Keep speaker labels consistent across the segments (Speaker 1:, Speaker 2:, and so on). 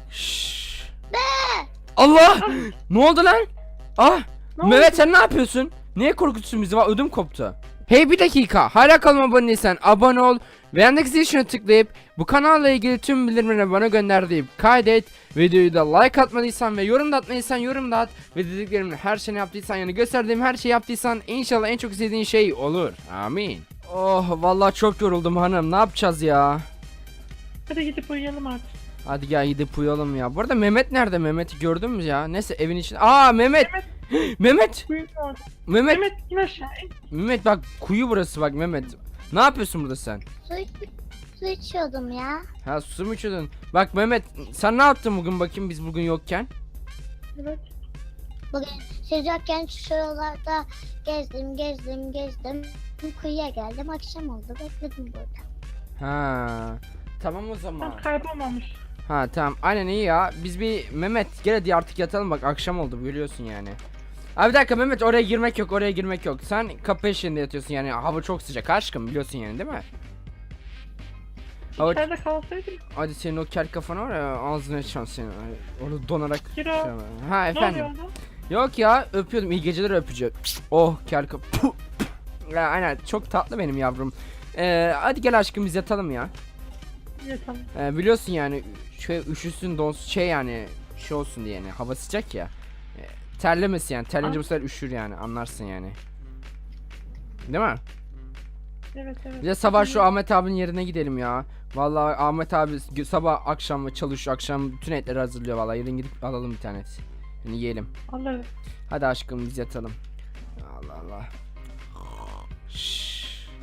Speaker 1: Şşş. Allah! Ne oldu lan? Ah!
Speaker 2: Ne
Speaker 1: Mehmet
Speaker 2: oldu?
Speaker 1: sen ne yapıyorsun? Niye korkutuyorsun bizi? Ödüm koptu. Hey bir dakika. Hala kanalıma abone değilsen abone ol. Ve yandaki zil tuşuna tıklayıp bu kanalla ilgili tüm bildirimleri bana gönder deyip kaydet. Videoyu da like atmadıysan ve yorum da atmadıysan yorum da at. Ve dediklerimin her şeyini yaptıysan yani gösterdiğim her şeyi yaptıysan inşallah en çok istediğin şey olur. Amin. Oh vallahi çok yoruldum hanım. Ne yapacağız ya?
Speaker 2: Hadi gidip uyuyalım artık.
Speaker 1: Hadi gel gidip uyuyalım ya. Bu arada Mehmet nerede? Mehmet'i gördün mü ya? Neyse evin içinde. Aa Mehmet. Mehmet.
Speaker 2: Uyuyun orada.
Speaker 1: Mehmet.
Speaker 2: Mehmet in aşağı in.
Speaker 1: Mehmet bak kuyu burası bak Mehmet. Ne yapıyorsun burada sen?
Speaker 3: Su içiyordum ya.
Speaker 1: Ha su mu içiyordun? Bak Mehmet sen ne yaptın bugün bakayım biz bugün yokken?
Speaker 2: Evet.
Speaker 3: Bugün siz yokken şuralarda gezdim. Kuyuya geldim. Akşam oldu. Bekledim burada.
Speaker 1: Ha. Tamam o zaman.
Speaker 2: Tam kaybolmamış.
Speaker 1: Ha tamam aynen iyi ya. Biz bir Mehmet gel hadi artık yatalım bak akşam oldu biliyorsun yani. Abi bir dakika Mehmet oraya girmek yok. Sen kapı eşiğinde yatıyorsun yani hava çok sıcak aşkım biliyorsun yani değil mi? Hava...
Speaker 2: İçeride kalsaydım.
Speaker 1: Hadi senin o kel kafana var ya ağzına şans senin. Orada donarak.
Speaker 2: Kiro.
Speaker 1: Ha
Speaker 2: Ne
Speaker 1: efendim.
Speaker 2: oluyor orada?
Speaker 1: Yok ya öpüyordum iyi geceler öpücü. Oh kel kafa. Ya, aynen çok tatlı benim yavrum. Hadi gel aşkım biz yatalım ya.
Speaker 2: Yatalım.
Speaker 1: Biliyorsun yani şey üşüsün donsuz şey yani şey olsun diye yani hava sıcak ya. Terlemesin yani terleyince bu sefer üşür yani anlarsın yani. Değil mi?
Speaker 2: Evet.
Speaker 1: Bir de sabah şu Ahmet abinin yerine gidelim ya. Vallahi Ahmet abi sabah akşam çalışıyor akşam bütün etleri hazırlıyor vallahi yarın gidip alalım bir tanesi. Yani yiyelim.
Speaker 2: Alırız.
Speaker 1: Hadi aşkım biz yatalım. Allah Allah. Şşş.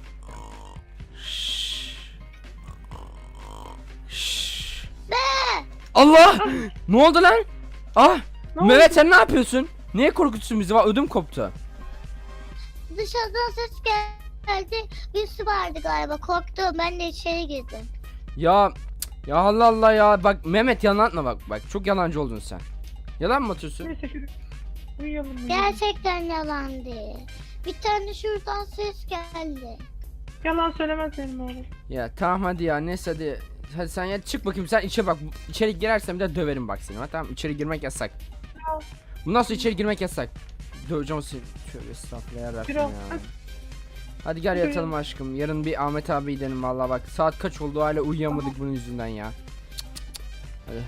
Speaker 1: Şşş. Şşş. Allah! Ne oldu lan? Ah!
Speaker 2: Ne
Speaker 1: Mehmet
Speaker 2: oldu?
Speaker 1: sen ne yapıyorsun? Niye korkutuyorsun bizi? Ödüm koptu.
Speaker 3: Dışarıdan ses geldi. Bir su vardı galiba. Korktum. Ben de içeri girdim.
Speaker 1: Ya Allah Allah ya bak Mehmet yalan atma bak çok yalancı oldun sen. Yalan mı atıyorsun?
Speaker 2: Neyse şurada. Uyuyalım.
Speaker 3: Gerçekten yalan değil. Bir tane şuradan ses geldi.
Speaker 2: Yalan söylemez benim oğlum.
Speaker 1: Ya tamam hadi ya neyse hadi sen ya çık bakayım sen içe bak içeri girersen bir de döverim bak seni tamam içeri girmek yasak. Bundan sonra içeri girmek yasak. Döveceğim seni. Şöyle estağfurullah yarabbim
Speaker 2: Kiro,
Speaker 1: ya.
Speaker 2: hadi.
Speaker 1: Hadi gel
Speaker 2: Kiro.
Speaker 1: yatalım aşkım. Yarın bir Ahmet abi gidelim vallahi bak. Saat kaç oldu hala uyuyamadık bunun yüzünden ya. Hadi.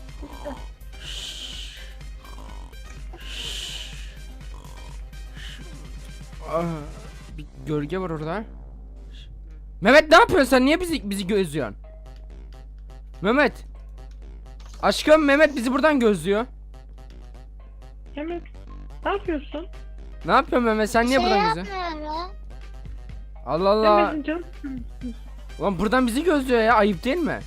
Speaker 1: Ah, bir gölge var orada. Mehmet ne yapıyorsun sen? Niye bizi gözlüyorsun? Mehmet. Aşkım Mehmet bizi buradan gözlüyor.
Speaker 2: Mehmet. Ne yapıyorsun?
Speaker 1: Ne yapıyorsun Mehmet? Sen niye buradan gözlüyorsun?
Speaker 3: yapmıyorum.
Speaker 1: Allah Allah.
Speaker 2: Mehmet'in canım.
Speaker 1: Ulan buradan bizi gözlüyor ya. Ayıp değil mi?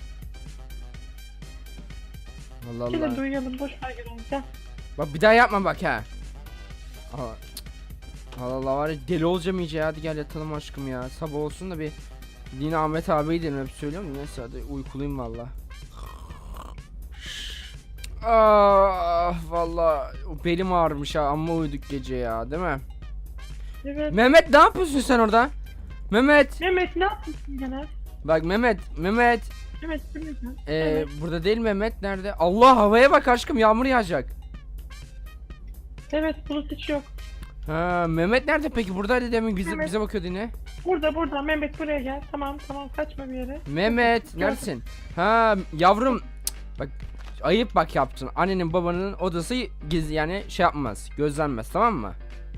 Speaker 1: Allah
Speaker 2: Gel
Speaker 1: Allah.
Speaker 2: hadi uyuyalım. Boş ver gel. Gel.
Speaker 1: Bak bir daha yapma bak ha. Allah Allah, Allah var ya deli olacağım iyice ya. Hadi gel yatalım aşkım ya. Sabah olsun da bir yine Ahmet abiyi dedim hep söylüyorum. Neyse hadi uykuluyum valla. Ah valla belim ağrımış ha amma uyuduk gece ya değil mi?
Speaker 2: Evet.
Speaker 1: Mehmet ne yapıyorsun sen orada? Mehmet
Speaker 2: Mehmet ne yapıyorsun gene?
Speaker 1: bak Mehmet
Speaker 2: Mehmet şimdi gel. Evet.
Speaker 1: burada değil Mehmet nerede? Allah havaya bak aşkım yağmur yağacak.
Speaker 2: Evet bulut hiç yok.
Speaker 1: Ha Mehmet nerede peki? Buradaydı demin
Speaker 2: Mehmet.
Speaker 1: bize bakıyordu yine.
Speaker 2: Burada Mehmet buraya gel. Tamam kaçma bir yere.
Speaker 1: Mehmet neredesin? Ha yavrum bak ayıp bak yaptın. Annenin babanın odası gizli yani şey yapmaz. Gözlenmez tamam mı?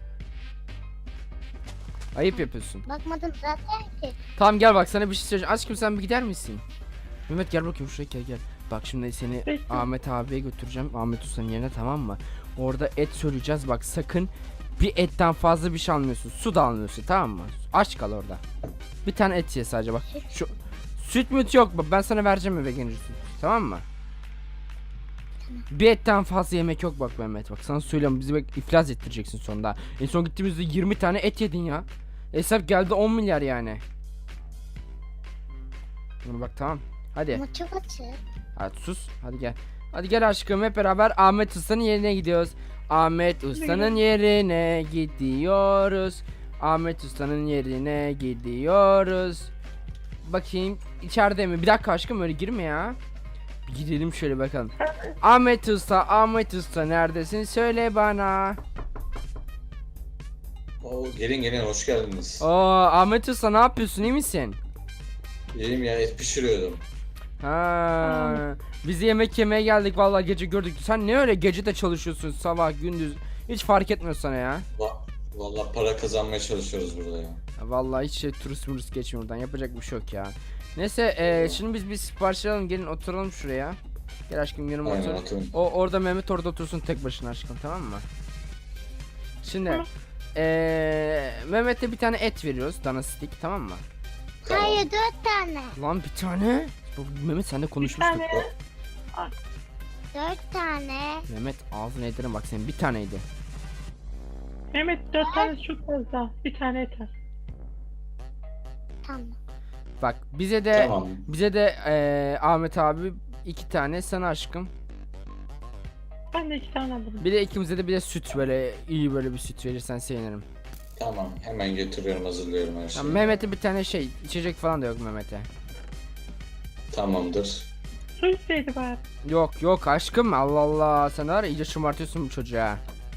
Speaker 1: Ayıp yapıyorsun.
Speaker 3: Bakmadım zaten ki.
Speaker 1: Tamam gel bak sana bir şey söyleyeceğim. Aşkım sen bir gider misin? Mehmet gel bakayım şuraya gel. Bak şimdi seni
Speaker 2: Peki.
Speaker 1: Ahmet abiye götüreceğim. Ahmet Usta'nın yerine tamam mı? Orada et söyleyeceğiz bak sakın bir etten fazla bir şey almıyorsun. Su da almıyorsun tamam mı? Aç kal orada. Bir tane et ye sadece bak. Şu süt müt yok bak ben sana vereceğim eve gelince süt. Tamam mı? Bir etten fazla yemek yok bak Mehmet bak sana söylüyorum bizi bak iflas ettireceksin sonunda. En son gittiğimizde 20 tane et yedin ya. Hesap geldi 10 milyar yani. Bunu bak tamam. Hadi.
Speaker 3: Ama çok açık.
Speaker 1: Hadi sus. Hadi gel. Hadi gel aşkım hep beraber Ahmet Usta'nın yerine gidiyoruz. Ahmet Usta'nın yerine gidiyoruz. Ahmet Usta'nın yerine gidiyoruz. Bakayım içeride mi? Bir dakika aşkım öyle girme ya. Gidelim şöyle bakalım. Ahmet Usta neredesin? Söyle bana.
Speaker 4: Oo, gelin hoş geldiniz.
Speaker 1: Oo Ahmet Usta ne yapıyorsun? İyi misin?
Speaker 4: İyiyim ya, et pişiriyordum.
Speaker 1: Ha, biz yemek yemeye geldik vallahi gece gördük. Sen ne öyle gece de çalışıyorsun sabah gündüz. Hiç fark etmiyor sana ya.
Speaker 4: Vallahi para kazanmaya çalışıyoruz burada ya.
Speaker 1: Vallahi hiç turist geçmiyor buradan. Yapacak bir şey yok ya. Neyse şimdi biz bir sipariş alalım. Gelin oturalım şuraya. Gel aşkım yanıma
Speaker 4: Aynen,
Speaker 1: otur.
Speaker 4: oturun.
Speaker 1: Orada Mehmet orada otursun tek başına aşkım, tamam mı? Şimdi
Speaker 2: Tamam.
Speaker 1: Mehmet'e bir tane et veriyoruz. Dana stick, tamam mı?
Speaker 4: Tamam.
Speaker 3: Hayır 4 tane.
Speaker 1: Lan bir tane. Mehmet seninle
Speaker 2: Bir
Speaker 1: konuşmuştuk.
Speaker 2: tane.
Speaker 3: 4 tane.
Speaker 1: Mehmet ağzına ederim bak, senin bir taneydi.
Speaker 2: Mehmet 4 tane çok fazla. Bir tane yeter.
Speaker 3: Tamam.
Speaker 1: Bak bize
Speaker 4: Tamam.
Speaker 1: de Ahmet abi 2 tane, sana aşkım.
Speaker 2: Ben de 2 tane alırım.
Speaker 1: Bir de ikimize de bir de süt, böyle iyi böyle bir süt verirsen sevinirim.
Speaker 4: Tamam. Hemen getiriyorum, hazırlıyorum her
Speaker 1: Ya
Speaker 4: şeyi.
Speaker 1: Mehmet'e bir tane şey içecek falan da yok Mehmet'e.
Speaker 4: Tamamdır.
Speaker 2: Su isteydi bari.
Speaker 1: Yok aşkım, Allah Allah, sen var ya iyice şımartıyorsun bu çocuğa.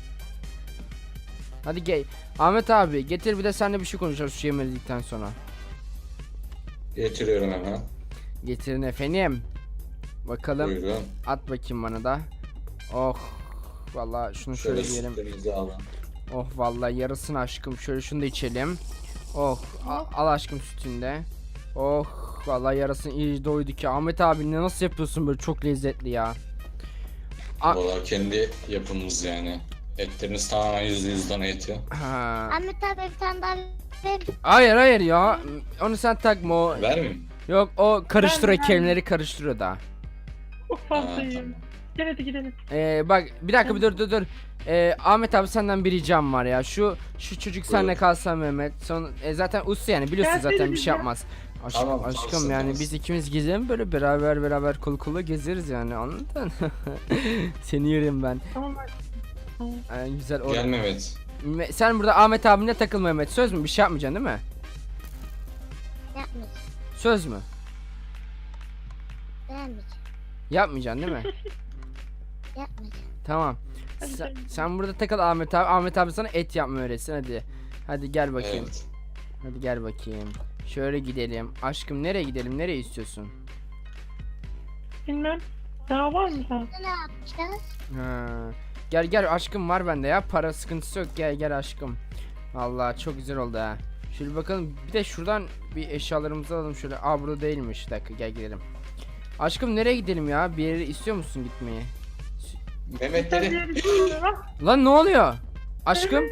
Speaker 1: Hadi gel Ahmet abi, getir bir de seninle bir şey konuşacağız şu yemedikten sonra.
Speaker 4: Getiriyorum hemen.
Speaker 1: Getirin efendim. Bakalım,
Speaker 4: Buyurun.
Speaker 1: at bakayım bana da. Oh vallahi şunu şöyle
Speaker 4: Şöyle
Speaker 1: diyelim.
Speaker 4: sütlerinizi alın.
Speaker 1: Oh vallahi yarısını aşkım, şöyle şunu da içelim. Oh al aşkım sütünde. Oh vallahi yarısını iyi doyduk ya. Ahmet abi ne nasıl yapıyorsun böyle, çok lezzetli ya.
Speaker 4: Vallahi kendi yapımız yani. Etleriniz tamamen %100 dana eti.
Speaker 1: Ha.
Speaker 3: Ahmet abi bir tane daha ver.
Speaker 1: Hayır ya. Onu sen takma o.
Speaker 4: Vermeyeyim.
Speaker 1: Yok o karıştırıyor,
Speaker 2: Ben-
Speaker 1: kelimeleri karıştırıyor da.
Speaker 2: Çok
Speaker 4: Ha,
Speaker 2: fazla yiyeyim.
Speaker 4: tamam.
Speaker 2: Gel hadi gidelim.
Speaker 1: Bak bir dakika, bir dur. Ahmet abi senden bir ricam var ya. Şu çocuk seninle
Speaker 4: Buyur.
Speaker 1: kalsa Mehmet. Zaten uslu yani, biliyorsun
Speaker 2: Gelsene
Speaker 1: zaten bir şey
Speaker 2: ya.
Speaker 1: yapmaz. Aşkım,
Speaker 4: Tamam,
Speaker 1: aşkım
Speaker 4: kalsın,
Speaker 1: yani
Speaker 4: kalsın.
Speaker 1: biz ikimiz gezelim böyle beraber kol kola gezeriz yani, anladın? Seni yerim ben.
Speaker 2: Tamam bak. Tamam.
Speaker 1: Güzel
Speaker 4: Gel Mehmet.
Speaker 1: Sen burada Ahmet abinle takıl Mehmet. Söz mü? Bir şey yapmayacaksın değil mi?
Speaker 3: Yapmayacağım.
Speaker 1: Söz mü?
Speaker 3: Beğenmeyeceğim.
Speaker 1: Yapmayacaksın değil mi?
Speaker 3: Yapmayacağım.
Speaker 1: Tamam.
Speaker 2: Hadi
Speaker 1: Sen,
Speaker 2: canım.
Speaker 1: sen burada takıl Ahmet abi. Ahmet abi sana et yapmayı öğretsin hadi. Hadi gel bakayım.
Speaker 4: Evet.
Speaker 1: Hadi gel bakayım. Şöyle gidelim. Aşkım nereye gidelim? Nereye istiyorsun?
Speaker 2: Bilmem. Daha var mı daha?
Speaker 3: Ne yapacağız?
Speaker 1: Ha. Gel aşkım, var bende ya. Para sıkıntısı yok. Gel aşkım. Vallahi çok güzel oldu ha. Şöyle bakalım. Bir de şuradan bir eşyalarımızı alalım şöyle. Aa burada değilmiş. Bir dakika gel gidelim. Aşkım nereye gidelim ya? Bir yere istiyor musun gitmeyi?
Speaker 4: Mehmet
Speaker 2: Sen
Speaker 4: dedi.
Speaker 2: diğer işe bak.
Speaker 1: Lan ne oluyor? Aşkım.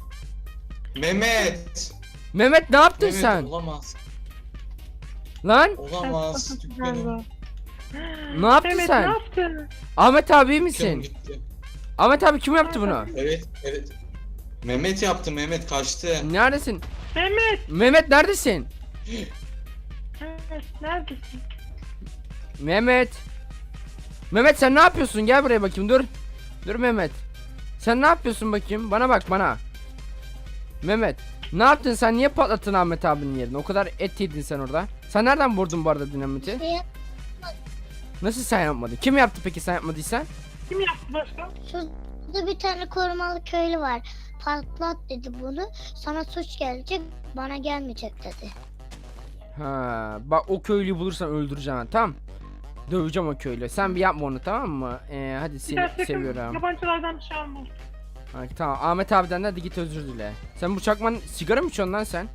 Speaker 4: Mehmet.
Speaker 1: Mehmet ne yaptın
Speaker 4: Mehmet
Speaker 1: sen?
Speaker 4: olamaz.
Speaker 1: Lan
Speaker 4: Olamaz.
Speaker 2: Sen
Speaker 4: Dükkanım.
Speaker 2: galiba.
Speaker 1: ne yaptın
Speaker 2: Mehmet
Speaker 1: sen?
Speaker 2: ne yaptın?
Speaker 1: Ahmet abi iyi
Speaker 4: Dükkanım
Speaker 1: misin?
Speaker 4: gitti.
Speaker 1: Ahmet abi kim yaptı bunu?
Speaker 4: Evet. Mehmet yaptı, Mehmet kaçtı.
Speaker 1: Neredesin?
Speaker 2: Mehmet.
Speaker 1: Mehmet neredesin?
Speaker 2: Mehmet neredesin?
Speaker 1: Mehmet. Mehmet sen ne yapıyorsun? Gel buraya bakayım, dur. Dur Mehmet. Sen ne yapıyorsun bakayım? Bana bak bana. Mehmet. Ne yaptın sen? Niye patlattın Ahmet abinin yerine? O kadar et yedin sen orada. Sen nereden vurdun bu arada dinamiti?
Speaker 3: Şey,
Speaker 1: Nasıl sen yapmadın? Kim yaptı peki sen yapmadıysan?
Speaker 2: Kim yaptı başka?
Speaker 3: şurada bir tane korumalı köylü var. Patlat dedi bunu. Sana suç gelecek. Bana gelmeyecek dedi.
Speaker 1: Ha, bak o köylüyü bulursan öldüreceğim ben, tamam. Döveceğim o köylüyü. Sen bir yapma onu, tamam mı? Hadi
Speaker 2: Bir
Speaker 1: seni
Speaker 2: daha sakın
Speaker 1: seviyorum.
Speaker 2: yabancılardan bir şey alma.
Speaker 1: Ha, tamam Ahmet abiden de hadi git özür dile. Sen bu çakman sigara mı içiyorsun lan sen?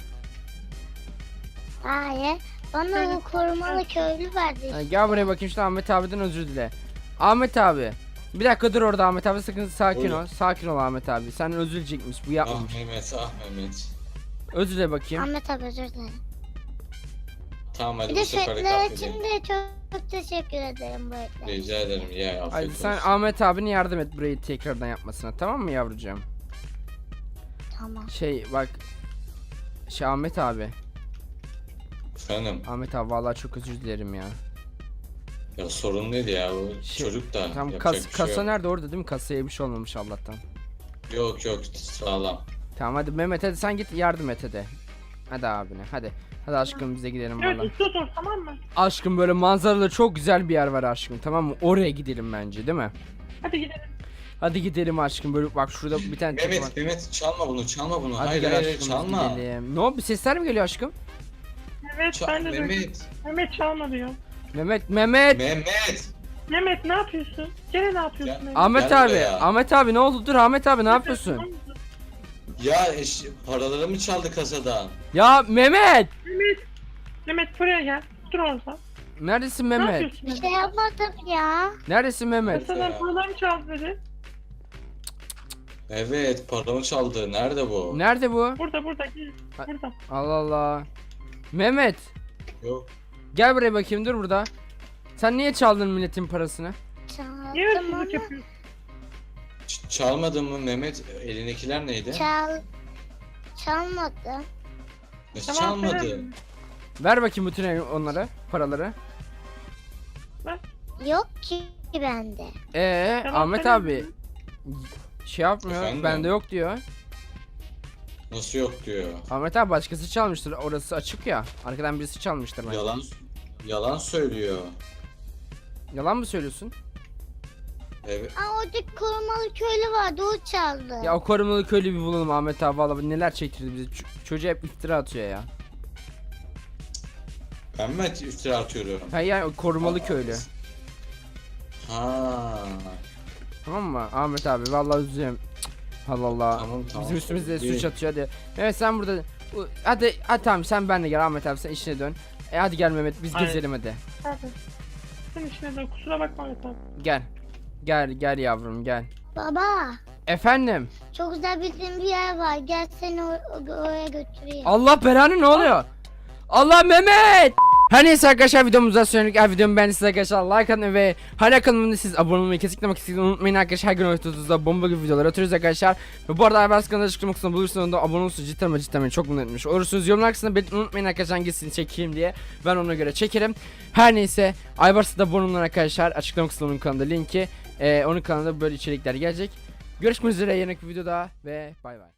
Speaker 3: Hayır. Bana o korumalı köylü verdi.
Speaker 1: Ha, gel buraya bakayım işte, Ahmet abiden özür dile. Ahmet abi. Bir dakika dur orada Ahmet abi, sakın sakin
Speaker 4: Buyurun.
Speaker 1: ol. Sakin ol Ahmet abi. Sen özür dileyecekmiş, bu
Speaker 4: Ah
Speaker 1: yapmamış.
Speaker 4: Mehmet, ah Mehmet.
Speaker 1: Özür dile bakayım.
Speaker 3: Ahmet abi özür dilerim.
Speaker 4: Tamam hadi
Speaker 3: Bir
Speaker 4: bu
Speaker 3: de
Speaker 4: sefer
Speaker 3: sütler
Speaker 4: affedeyim.
Speaker 3: için de çok teşekkür ederim bu etler.
Speaker 4: Rica ederim ya,
Speaker 1: Hadi
Speaker 4: afiyet
Speaker 1: sen
Speaker 4: olsun.
Speaker 1: Ahmet abine yardım et burayı tekrardan yapmasına, tamam mı yavrucuğum?
Speaker 3: Tamam.
Speaker 1: Bak. Ahmet abi.
Speaker 4: Efendim,
Speaker 1: Ahmet abi vallahi çok özür dilerim ya.
Speaker 4: ya sorun değil ya, bu
Speaker 1: Şey,
Speaker 4: çocuk da
Speaker 1: Tam
Speaker 4: yapacak bir şey
Speaker 1: kasa
Speaker 4: yok.
Speaker 1: nerede, orada değil mi? Kasaya bir şey olmamış Allah'tan.
Speaker 4: Yok sağlam.
Speaker 1: Tamam hadi Mehmet, hadi sen git yardım et hadi. Hadi abine hadi. Hadi aşkım bize gidelim
Speaker 2: Evet
Speaker 1: valla.
Speaker 2: uslu dur tamam mı?
Speaker 1: Aşkım böyle manzaralı çok güzel bir yer var aşkım, tamam mı? Oraya gidelim bence, değil mi?
Speaker 2: Hadi gidelim.
Speaker 1: Hadi gidelim aşkım, böyle bak şurada bir tane çocuk var.
Speaker 4: Mehmet çalma bunu, çalma bunu.
Speaker 1: Hadi
Speaker 4: Hayır
Speaker 1: gel
Speaker 4: hayır
Speaker 1: aşkım biz
Speaker 4: çalma.
Speaker 1: gidelim. Ne oldu, bir sesler mi geliyor aşkım?
Speaker 2: Evet ben de duydum.
Speaker 4: Mehmet.
Speaker 2: Mehmet çalma diyor.
Speaker 1: Mehmet.
Speaker 2: Mehmet ne yapıyorsun? Gene ne yapıyorsun
Speaker 4: Ya,
Speaker 2: Mehmet?
Speaker 1: Ahmet
Speaker 4: Gel
Speaker 1: abi.
Speaker 4: buraya.
Speaker 1: Ahmet abi ne oldu? Dur Ahmet abi ne yapıyorsun?
Speaker 2: Tamam mı?
Speaker 4: Ya paraları mı çaldı kasadan?
Speaker 1: Ya Mehmet.
Speaker 2: Mehmet buraya gel. Dur orada.
Speaker 1: Neredesin
Speaker 2: Ne
Speaker 1: Mehmet?
Speaker 2: yapıyorsun?
Speaker 3: Bir şey yapmadım ya.
Speaker 1: Neredesin Mehmet?
Speaker 2: Kasadan paralarımı çaldı dedi.
Speaker 4: Evet paramı çaldı. Nerede bu?
Speaker 1: Nerede bu?
Speaker 2: Burada gel.
Speaker 1: Ha-
Speaker 2: Burada.
Speaker 1: Allah Allah. Mehmet.
Speaker 4: Yok.
Speaker 1: Gel buraya bakayım, dur burada. Sen niye çaldın milletin parasını?
Speaker 2: Niye
Speaker 3: Çaldım
Speaker 2: hırsızlık
Speaker 3: ama
Speaker 2: yapıyorsun?
Speaker 4: Çalmadın mı Mehmet? Elindekiler neydi?
Speaker 3: çalmadım.
Speaker 4: Nasıl
Speaker 2: Tamam,
Speaker 4: çalmadı?
Speaker 2: söylerim.
Speaker 1: Ver bakayım bütün onlara, paraları.
Speaker 3: Yok ki bende.
Speaker 2: Tamam,
Speaker 1: Ahmet
Speaker 2: söylerim.
Speaker 1: abi şey yapmıyor.
Speaker 4: Efendim?
Speaker 1: Bende yok diyor.
Speaker 4: Nasıl yok diyor.
Speaker 1: Ahmet abi başkası çalmıştır. Orası açık ya. Arkadan birisi çalmıştır bence.
Speaker 4: Yalan söylüyor.
Speaker 1: Yalan mı söylüyorsun?
Speaker 4: Evet.
Speaker 3: Aa oradaki korumalı köylü vardı o çaldı.
Speaker 1: Ya o korumalı köylü bir bulalım Ahmet abi, vallahi neler çektirdi bize. Çocuğa hep iftira atıyor ya.
Speaker 4: Ben mi iftira atıyorum?
Speaker 1: Hayır yani o korumalı
Speaker 4: Aa.
Speaker 1: köylü.
Speaker 4: Ha.
Speaker 1: Tamam mı Ahmet abi, vallahi üzüyorum. Allah Allah.
Speaker 4: Tamam.
Speaker 1: Bizim üstümüzde
Speaker 4: İyi.
Speaker 1: suç atıyor hadi. Evet sen burada hadi tamam sen benle gel Ahmet abi, sen işine dön. Hadi gel Mehmet biz
Speaker 2: Aynen.
Speaker 1: gezelim hadi.
Speaker 2: Hadi. Sen işine de kusura bakma lütfen.
Speaker 1: Gel. Gel yavrum gel.
Speaker 3: Baba
Speaker 1: Efendim.
Speaker 3: çok güzel bildiğim bir yer var. Gel seni oraya götüreyim.
Speaker 1: Allah belanı, ne oluyor? Allah Mehmet. Her neyse arkadaşlar, videomuzdan sonraki videomu beğendiyseniz arkadaşlar like atmayı ve hala kanalımda siz abone olmayı kesinlikle unutmayın arkadaşlar. Her gün ortada bomba gibi videolar atıyoruz arkadaşlar. Ve bu arada Aybars kanalına açıklama kısmında bulursanız da abone olursunuz, cidden beni çok mutlu etmiş olursunuz. Yorumlar kısmında belirtmeyi unutmayın arkadaşlar hangisini çekeyim diye. Ben ona göre çekerim. Her neyse Aybars'a da abone olun arkadaşlar. Açıklama kısmında onun kanalında linki. Onun kanalında böyle içerikler gelecek. Görüşmek üzere yeni bir videoda ve bay bay.